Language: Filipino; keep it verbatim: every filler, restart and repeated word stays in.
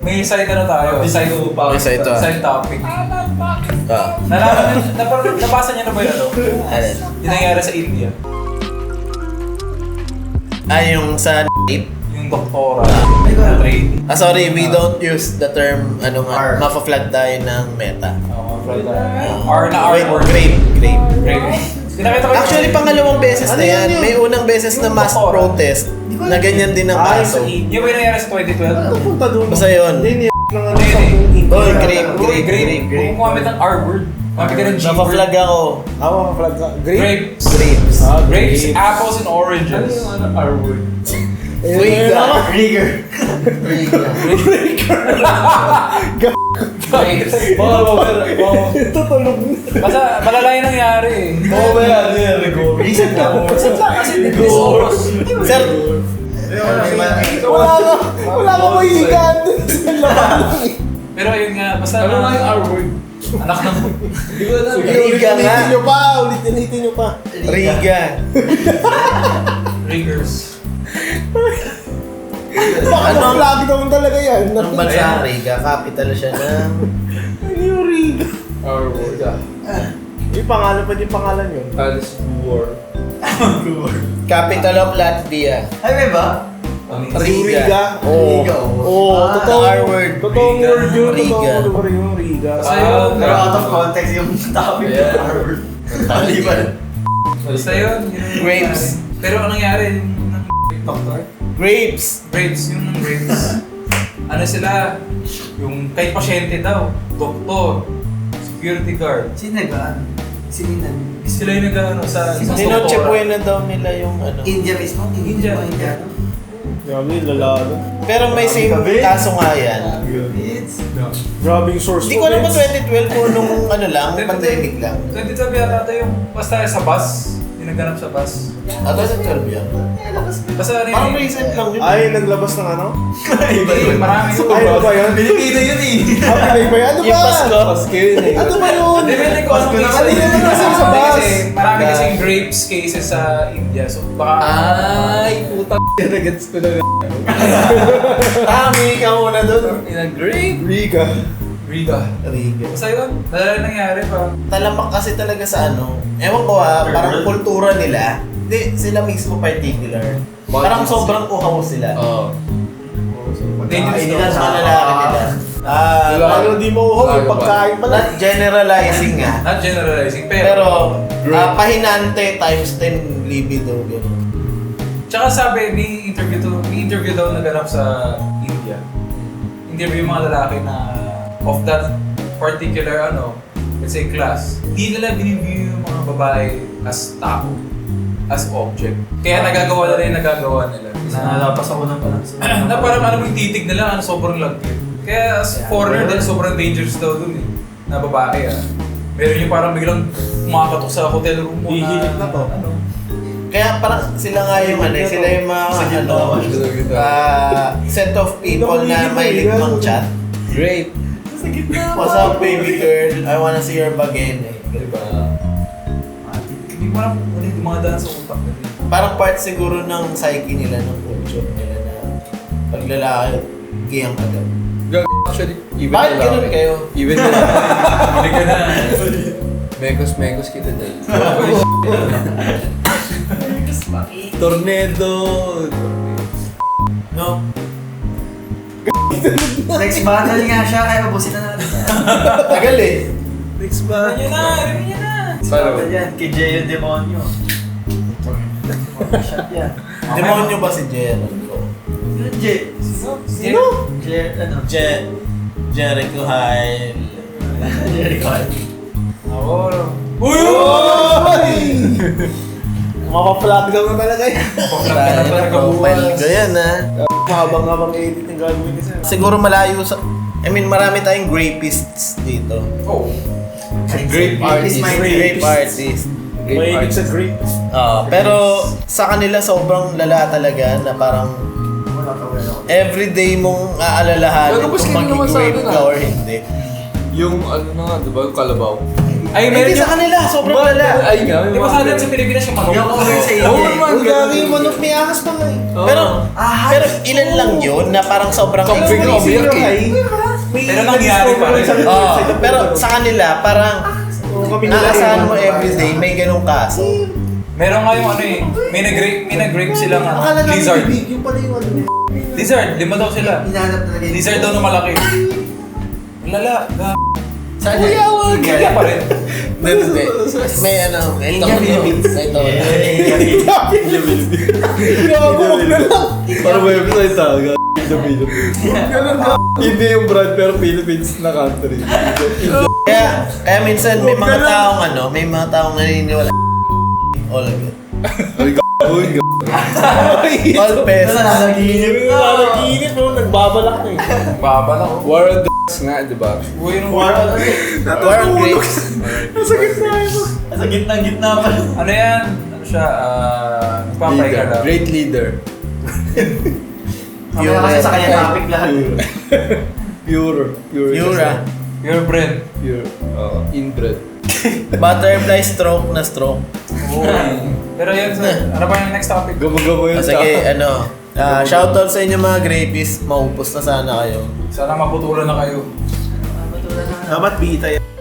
May side ano tayo, side May side to, ah. side topic. Ah. Nalaman niyo, napar- nabasa niyo na ba yun ano? Alin? Yung nangyari sa India. Ah, yung sa rape? Yung doktora na trainee. Ah, sorry, we don't use the term, ano nga, mapa-flag tayo ng meta. Oo, right. R na R Wait, word. grape, grape. Grape. Pinakita ko Actually, pangalawang beses na yan. May unang beses na mass protest na ganyan din ang kaso. Yung ba yung nangyari sa twenty twelve? Punta doon. Basta yun. Hindi, ng ano Hindi, sa hindi. Oy, grape, grape, Grape. grape, grape. Kung kumamit ng R word, kumamit ka ng G word. Napa-flag ako. Awa ka flag ka. Grape? Grapes. Grapes. Ah, Grapes, apples, and oranges. Ano R word? Riga. Rigger. Rigger. Grapes. Baka ba, ito tulog na. Basta malala yung nangyari eh. Baka ba yan, yan, Rigor? Recent lang. Recent lang kasi this oras. Sir, Wala ka, wala ka mahihigan. Pero yun nga, basta Ano nga yung R word? anak ng... Hindi ko alam. Riga Ulitin nga. nyo pa, ulitin nyo pa. Riga. Riggers. Baka Ano? na-flag naman talaga yan. Anong bansa ang Riga? Capital siya ng... Ano yung Riga? R word. Yung pangalan pa yung pangalan yun. Alice War. Capital of Latvia. Ay, may ba? Yung Riga. Riga. Oo. Riga, oo. Oo, Ah, totoo. R word. Totoong Riga. word yun. Riga. Totoong word yung Riga. Basta yun. Pero out of context yung topic Yeah. ng R word. Taliban. Basta yun. yun yung Grapes. nangyari. Pero ang nangyari, yung ng doctor, Grapes. grapes, yung ng grapes. Ano sila, yung kay pasyente daw, doktor, security guard. Sino nag-ano? Sino nag- Sila yung nag-ano sa sa Sinoche doktora. Buena daw nila yung ano. India mismo? India. India. India. Grabe, lalado. Pero may same kaso nga yan. It's... Grabe yung source Hindi ko alam kung twenty twelve po nung ano lang, pandemic lang. twenty twelve yata ito yung basta sa bus, yung nagganap sa bus. Ah, twenty twelve yan. Basta ano Parang yun, recent lang yun. Ay, naglabas ng ano? hindi, marami yun. Ay, ano ba yun? Pilipino yun eh! Ah, Pinay ba yun? Ano Yung ba? Pasko. Pasko yun eh. Ano ba yun? Depende ko anong Pasko case. naman, hindi naman kasi sa Marami bus. kasi, marami kasing grapes cases sa India. So baka... Ay, puta nagets ko na. Ah, may ka muna doon. In a grape. Riga. Riga. Riga. Basta yun, dahil nangyari pa. Talamak kasi talaga sa ano, ewan ko ha, parang kultura nila. Hindi, sila mismo particular. Parang sobrang uhaw sila. Oo. Dangerous Hindi daw. lang sa lalaki nila. Ah, Wala. Ano, di mo uhaw yung pagkain pala. not generalizing nga. Not generalizing, pero... Pero, ah, pahinante times ten libido. Gano'n. Tsaka sabi, may interview, to, may interview daw naganap sa India. Interview yung mga lalaki na of that particular, ano, let's say class. Hindi nila biniview yung mga babae as tao, as object. Kaya nagagawa nila yung nagagawa nila. Na, Nalapas ako ng parang na parang ano yung titig nila, ano, sobrang lagkit. Kaya as foreigner din, sobrang dangerous daw dun eh, na babae ah. Meron yung parang biglang kumakatok sa hotel room mo na, Hihilit na to. ano. Kaya parang sila nga yung ano, sila yung mga ano, Gito. ah, set of people na may ligmang chat. Grape. What's up baby girl? I wanna see your bagay. Diba? Hindi mo alam kung ano yung dumadaan sa utak nila. Parang part siguro ng psyche nila, ng culture nila na pag lalaki, gayang ka daw. Gag actually, even Bakit na ganun kayo? Even na Hindi ka na. Mekos-mekos kita dahil. Tornado! No? Next battle nga siya, kaya mabusin na natin yan. Tagal eh. Next Ano yun na, ano yun na. Next Paano? battle yan, kay Jay yung demonyo. Shot yan. Demonyo ba si Jericho? Yun, Jay. Sino? Jay, ano? Je... Jericho High. Jericho. Ako. Uy! Mapaplag daw na talaga yan. Pag-vlog ka na talaga Profile bukas. ko yan ha. Mahabang-habang edit yung gagawin kasi. Siguro malayo sa... I mean, marami tayong grapists dito. Oh. Grape artist. my Grape artist. Mahilig sa grape. Ah, pero sa kanila sobrang lala talaga na parang Wala ka, wala ako. everyday mong aalalahanin Pero mas kung kino naman sa mag-grape akin, ka ah. or hindi. Yung ano na nga, diba? Yung kalabaw. Ay, meron Hindi yung... sa kanila, sobrang lala. Ay nga, may Di ba mga sa atin sa Pilipinas yung manok? Yung over sa Oo, India. man, Ang ganun. gagi yung manok, may ahas pa nga eh. Pero, Ah, pero ilan lang yun na parang sobrang Something exclusive. obvious eh. Pero nangyari pa rin. Oo, pero sa kanila, parang Kami nila naasahan eh. mo everyday, may ganung kaso. Meron nga yung ano eh, may nag-grape, may nag-grape sila nga. Akala namin Lizard. big, yung pala yung ano. Lizard, lima daw sila. Hinahanap talaga yun. Lizard daw na malaki. Lala, ga... Saan Kuya, yan? wag. India. Kaya pa rin. Hindi, hindi. May ano, may India, tono. Philippines. May tono. Gago, wag na lang. Para website ah, g***. Hindi yung brand pero Philippines na country. Kaya, kaya minsan may mga taong ano, may mga taong naniniwala. All good. Ay, g***oy, g***. All best. Nanaginip. Nanaginip mo, nagbabalak na eh. Baba lang. War on the nga, di ba? Uy, nung... War on grapes. Nasa gitna ito. Sa gitna-gitna pa. Ano yan? Ano siya? Ah... Nagpapay ka Leader. lang. Great leader. Mamaya kasi sa kanya topic lahat. Pure. Pure. Yura. Your brand. Pure. Oo, inbred. Butterfly stroke na stroke. Uy. Pero yun, sir. Ano ba yung next topic? Gamo-gamo O yun. sige, ano. ah, shoutout sa inyo mga grapies. Maupos na sana kayo. Sana maputulan na kayo. Matulan na. Dapat bita yan.